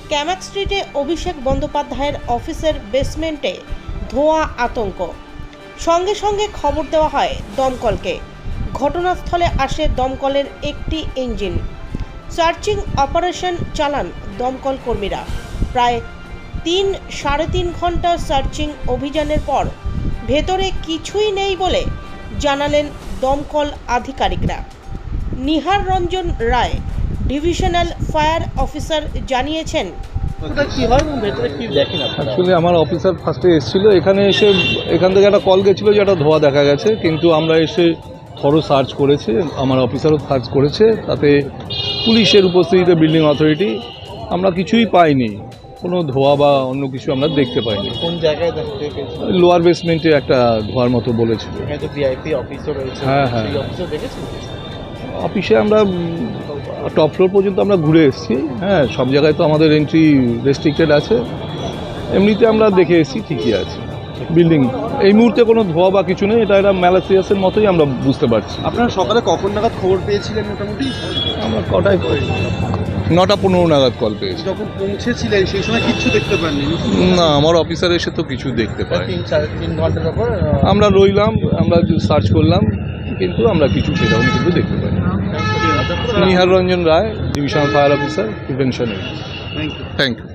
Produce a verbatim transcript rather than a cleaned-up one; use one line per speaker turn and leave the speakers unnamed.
ক্যামাক স্ট্রিটে অভিষেক বন্দ্যোপাধ্যায়ের অফিসের বেসমেন্টে ধোঁয়া আতঙ্ক। সঙ্গে সঙ্গে খবর দেওয়া হয় দমকলকে। ঘটনাস্থলে আসে দমকলের একটি ইঞ্জিন। সার্চিং অপারেশন চালান দমকল কর্মীরা। প্রায় তিন সাড়ে তিন ঘন্টা সার্চিং অভিযানের পর ভেতরে কিছুই নেই বলে জানালেন দমকল আধিকারিকরা। Nihar Ranjan Ray, divisional fire officer জানিয়েছেন,
অ্যাকচুয়ালি আমার অফিসার ফার্স্টে এসেছিলো, এখানে এসে এখান থেকে একটা কল গেছিলো যে একটা ধোঁয়া দেখা গেছে, কিন্তু আমরা এসে থরো সার্চ করেছি, আমার অফিসারও সার্চ করেছে, তাতে পুলিশের উপস্থিতিতে বিল্ডিং অথরিটি আমরা কিছুই পাইনি, কোনো ধোঁয়া বা অন্য কিছু আমরা দেখতে পাইনি।
কোন জায়গায় দেখতে পেয়েছেন?
লোয়ার বেসমেন্টে একটা ধোঁয়ার মতো বলেছিল।
এখানে তো ভিআইপি অফিসও রয়েছে।
হ্যাঁ হ্যাঁ,
সেই অফিসও দেখেছেন?
অফিসে আমরা টপ ফ্লোর পর্যন্ত আমরা ঘুরে এসেছি। হ্যাঁ, সব জায়গায় তো আমাদের এন্ট্রি রেস্ট্রিক্টেড আছে, এমনিতে আমরা দেখে এসেছি, ঠিকই আছে বিল্ডিং। এই মুহূর্তে কোনো ধোঁয়া বা কিছু নেই, এটা একটা ম্যালাসিয়াসের মতোই আমরা বুঝতে পারছি।
আপনারা সকালে কখন নাগাদ খবর পেয়েছিলেন? মোটামুটি
আমরা কটায় নটা পনেরো নাগাদ কল পেয়েছি।
যখন পৌঁছেছিলেন সেই সময় কিচ্ছু দেখতে পাননি?
না, আমার অফিসার এসে তো কিছু দেখতে পাই।
তিন সাড়ে তিন ঘন্টার পর
আমরা রইলাম, আমরা সার্চ করলাম, কিন্তু আমরা কিছু সেরকম কিন্তু দেখতে পাই। Nihar Ranjan Ray, divisional fire officer, prevention.
Thank you.
Thank you.